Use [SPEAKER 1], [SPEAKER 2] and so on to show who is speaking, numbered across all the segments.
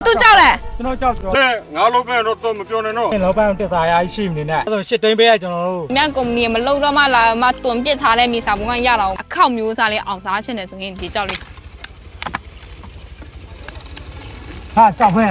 [SPEAKER 1] သူကြောက်လဲ
[SPEAKER 2] ကျွန်တော်ကြောက်ကြော
[SPEAKER 3] ငါလုံးပဲတော့မပြောနဲ့နော်
[SPEAKER 2] လောပန်းတက်သားရရှိမနေနဲ့အဲ့တော့ရှစ်သိန်းပေးရကျွန်တော်တို့
[SPEAKER 1] မြတ်ကုမ္ပဏီမလုံတော့မှလာမတွန်ပစ်ထားတဲ့မြေစာပုံကရတော့အခောက်မျိုးစားလေးအောင်စားချင်တယ်ဆိုရင်ဒီကြောက်လေး
[SPEAKER 2] ဟာကြောက်ပဲ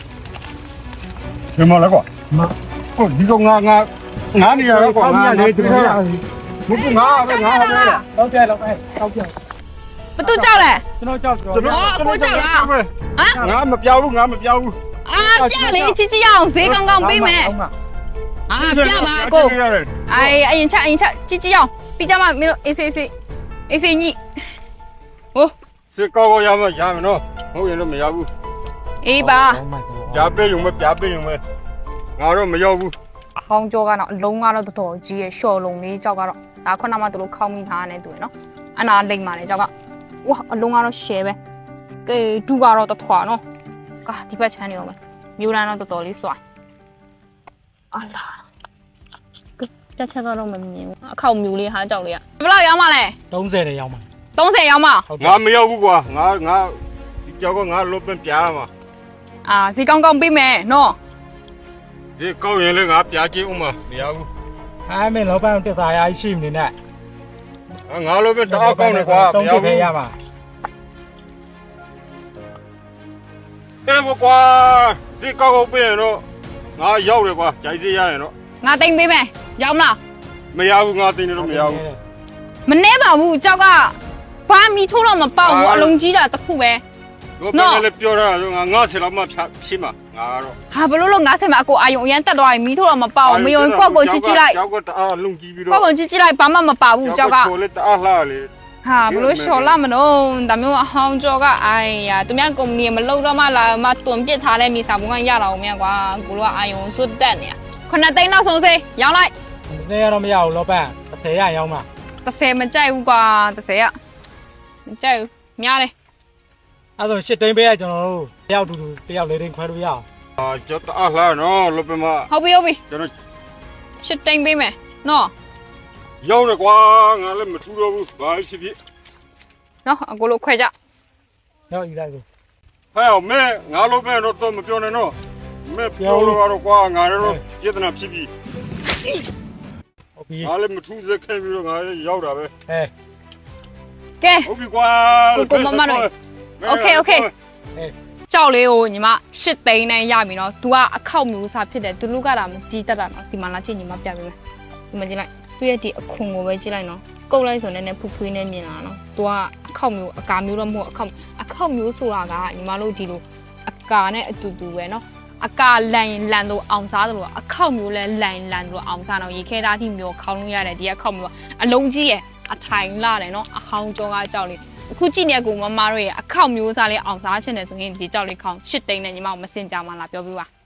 [SPEAKER 3] ဒီမှာလဲကွာ
[SPEAKER 2] မ
[SPEAKER 3] ဟုတ်ဒီကောင်ငါနေရတော့ကွာငါလေဒီကဘုကငါပဲငါပဲ
[SPEAKER 2] လောက်ပြလောက်ပဲတောက်ပြ
[SPEAKER 1] ဘသူကြောက်လဲ
[SPEAKER 2] ကျွန်တော်ကြောက်ကြော
[SPEAKER 1] ဟမ်
[SPEAKER 3] ငါမပြောဘူးငါမပြောဘူး
[SPEAKER 1] အာပြလေကြည့်ကြည့်အောင်ဈေးကောင်းကောင်းပေးမယ်အာပြပါအကိုအေးအရင်ချက်ကြည့်ကြည့်အောင်ပြီးကြမှာမင်းတို့အေးစေးညိဟို
[SPEAKER 3] စစ်ကောရမယ်နော်ဟုတ်ရင်တော့မရဘူး
[SPEAKER 1] အေးပါ
[SPEAKER 3] ပြပေးရုံပဲပြပေးရုံပဲငါတော့မရောက်ဘူး
[SPEAKER 1] အဟောင်းကြောကတော့အလုံးကတော့တော်တော်ကြီးရဲ့ရှော့လုံးလေးကြောက်ကတော့ဒါခုနမှသူတို့ခေါင်းမိထားနေတူရယ်နော်အနာလိမ့်ပါလေကြောက်ကဝါအလုံးကတော့ရှယ်ပဲကဲဒူကတော့တထွာနော်ကာဒီဘက်ချမ်းနေအောင်ပဲမျိုးလန်းတော့တော်တော်လေးစွာအလားတက်ချက်ကတော့မမြင်ဘူးအခောက်မျိုးလေးဟာကြောက်လေးကဘယ်လောက်ရောင်းမလဲ
[SPEAKER 2] 30နဲ့ရောက်မှာ
[SPEAKER 1] 30ရောင်းမ
[SPEAKER 3] ငါမရောက်ဘူးကွာငါဒီကြောက်ကငါလုံးပဲပြားမှာ
[SPEAKER 1] အာဈေးကောင်းကောင်းပေးမယ်နော်
[SPEAKER 3] ဒီကောက်ရင်လည်းငါပြားကြည့်ဦးမှာမရဘူး
[SPEAKER 2] အဲ့မင်းလောပန်းတက်သားရရှိမနေနဲ့
[SPEAKER 3] ငါလုံးပဲတအားကောင်းတယ်ကွာမရ
[SPEAKER 2] 30ပဲ
[SPEAKER 3] ဘူး
[SPEAKER 2] ရမှာ
[SPEAKER 3] အဲ့ဘကွာဒီကောက်ပေးရင်တော့ငါရောက်တယ်ကွာဂျိုက်စီရရင်တော့
[SPEAKER 1] ငါတိမ်ပေးမယ်ရောင်းမလား
[SPEAKER 3] မရဘူးငါသိနေတော့မရဘူး
[SPEAKER 1] မနှဲပါဘူးကြောက်ကဘာမီထိုးတော့မပေါက်ဘူးအလုံးကြီးတာတစ်ခုပဲ
[SPEAKER 3] တော့ပြန်လည်းပြောတာဆိုငါဆယ်လောက်မှဖြစ်မှာငါကတော့
[SPEAKER 1] ဟာဘလို့လို့90မှာအကိုအာယုံအရန်တက်သွားရင်မီးထိုးတော့မပေါက်မယုံကွက်ကိုကြည့်ကြည့်လိုက်
[SPEAKER 3] ကြောက်ကတအားလုံကြည့်ပြီးတော့
[SPEAKER 1] ကွက်ကိုကြည့်ကြည့်လိုက်ဘာမှမပါဘူးကြောက်က
[SPEAKER 3] ကိုလည်းတအားလှလေ
[SPEAKER 1] ဟာဘလို့လျှော်လာမလို့ဒါမျိုးအဟောင်းကြောကအိုင်ယာသူများကုမ္ပဏီမလုံတော့မှလာမတွန်ပစ်ထားတဲ့မြေစာပုံကရတာအောင်မြတ်ကွာကိုလိုကအာယုံစွတ်တက်နေ9သိန်းနောက်ဆုံးစေးရောင်းလိုက်
[SPEAKER 2] နေရတော့မရဘူးလောပန်း30ရရောက်မှာ
[SPEAKER 1] 30မကြိုက်ဘူးကွာ30ရမကြိုက်ဘူးများတယ်
[SPEAKER 2] အဲ့တော့ရှစ်သိန်းပေးရကျွန်တော်တို့တယောက်တူတယောက်လေးသိန်းခွဲလို့ရအောင်
[SPEAKER 3] ကြောက်တအားလှနော်လောပမ
[SPEAKER 1] ဟုတ်ပြီ
[SPEAKER 3] ကျွန်တော်
[SPEAKER 1] ရှစ်သိန်းပေးမယ်နော်
[SPEAKER 3] ရောက်တယ်ကွာငါလည်းမထူတော့ဘူးဘာဖြစ်ဖြစ်
[SPEAKER 1] နော်အကိုလိုခွဲကြ
[SPEAKER 2] ရောက်ယူလိုက်ကို
[SPEAKER 3] ဟဲ့မဲငါလုံးပဲတော့မပြောနဲ့နော်မဲပြောလို့ကတော့ကွာငါလည်းပြဿနာဖြစ်ပြီ
[SPEAKER 2] ဟုတ်ပြီ
[SPEAKER 3] ငါလည်းမထူးစက်ခဲ့ပြီးတော့ငါလည်းရောက်တာပဲ
[SPEAKER 1] ကဲ
[SPEAKER 3] ဟုတ်ပြီကွာ
[SPEAKER 1] ကိုမမတို့ Okay ကြောက်လေးကိုညီမ8သိန်းနဲ့ရပြီနော် तू ကအခောက်မျိုးစားဖြစ်တယ် तू လူကတာမကြီးတက်တာနော်ဒီမှာလာချင်းညီမပြပေးမယ်ဒီမှာကြည့်လိုက်သူ့ရဲ့ဒီအခွန်ကိုပဲကြည့်လိုက်နော်ကုတ်လိုက်ဆိုနေဖူးဖွေးနဲ့မြင်လာနော် तू ကအခောက်မျိုးအကာမျိုးတော့မဟုတ်အခောက်မျိုးဆိုတာကညီမတို့ဒီလိုအကာနဲ့အတူတူပဲနော်အကာလန်ရင်လန်တော့အောင်စားတယ်လို့အခောက်မျိုးလဲလန်တော့အောင်စားတော့ရေခဲသားတိမျိုးခေါင်းလို့ရတယ်ဒီအခောက်မျိုးကအလုံးကြီးရဲ့အထိုင်လာတယ်နော်အဟောင်းကြောကကြောက်လေးအခုကြည့်နေကူမမတို့ရဲ့အခောက်မျိုးစားလေးအောင်စားချင်တယ်ဆိုရင်ဒီကြောက်လေးခေါင်း8သိန်းနဲ့ညီမမစင်ကြမှာလားပြောပြပါ